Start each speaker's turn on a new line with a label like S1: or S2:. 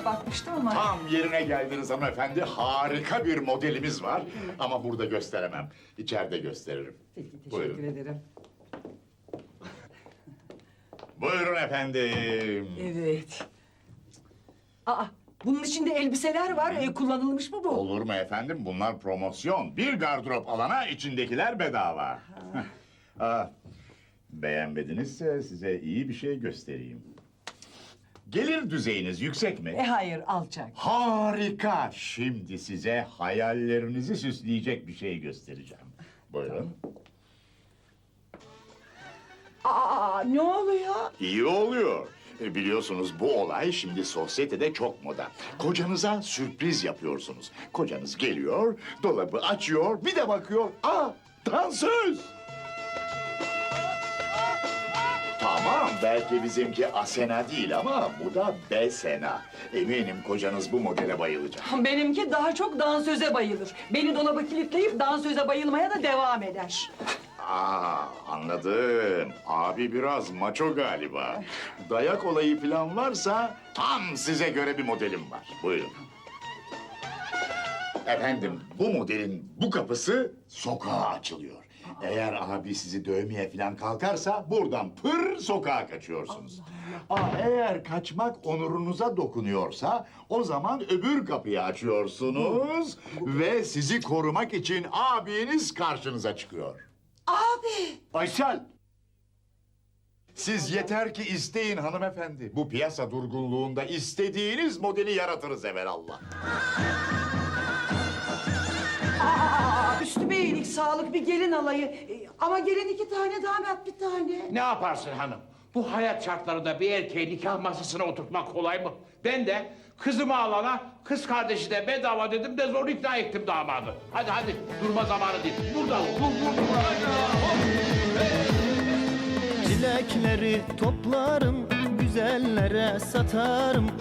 S1: bakmıştım ama...
S2: Tam yerine geldiniz hanımefendi. Harika bir modelimiz var. Ama burada gösteremem. İçeride gösteririm.
S1: Peki, teşekkür
S2: Buyurun.
S1: ederim.
S2: Buyurun efendim.
S1: Evet. Aa, bunun içinde elbiseler var. Kullanılmış mı bu?
S2: Olur mu efendim? Bunlar promosyon. Bir gardırop alana içindekiler bedava. Beğenmedinizse size iyi bir şey göstereyim. Gelir düzeyiniz yüksek mi?
S1: Hayır, alçak.
S2: Harika! Şimdi size hayallerinizi süsleyecek bir şey göstereceğim. Buyurun.
S1: Aa, ne oluyor?
S2: İyi oluyor. Biliyorsunuz bu olay şimdi sosyetede çok moda. Kocanıza sürpriz yapıyorsunuz. Kocanız geliyor, dolabı açıyor, bir de bakıyor. Aa, dansöz! Tamam, belki bizimki Asena değil ama bu da Besena. Eminim kocanız bu modele bayılacak.
S1: Benimki daha çok dansöze bayılır. Beni dolaba kilitleyip dansöze bayılmaya da devam eder.
S2: Anladım. Abi biraz maço galiba. Dayak olayı falan varsa tam size göre bir modelim var. Buyurun. Efendim, bu modelin bu kapısı sokağa açılıyor. Eğer abi sizi dövmeye falan kalkarsa buradan pır sokağa kaçıyorsunuz. Eğer kaçmak onurunuza dokunuyorsa o zaman öbür kapıyı açıyorsunuz ve sizi korumak için abiniz karşınıza çıkıyor.
S1: Abi!
S2: Aysel! Siz yeter ki isteyin hanımefendi. Bu piyasa durgunluğunda istediğiniz modeli yaratırız evelallah.
S1: Üstüme iyilik, sağlık, bir gelin alayı. Ama gelin 2 tane, damat 1 tane.
S3: Ne yaparsın hanım? Bu hayat şartlarında bir erkeği nikah masasına oturtmak kolay mı? Ben de kızımı alana kız kardeşi de bedava dedim de zor ikna ettim damadı. Hadi durma zamanı değil. Burada vur.
S4: Çilekleri toplarım, güzellere satarım.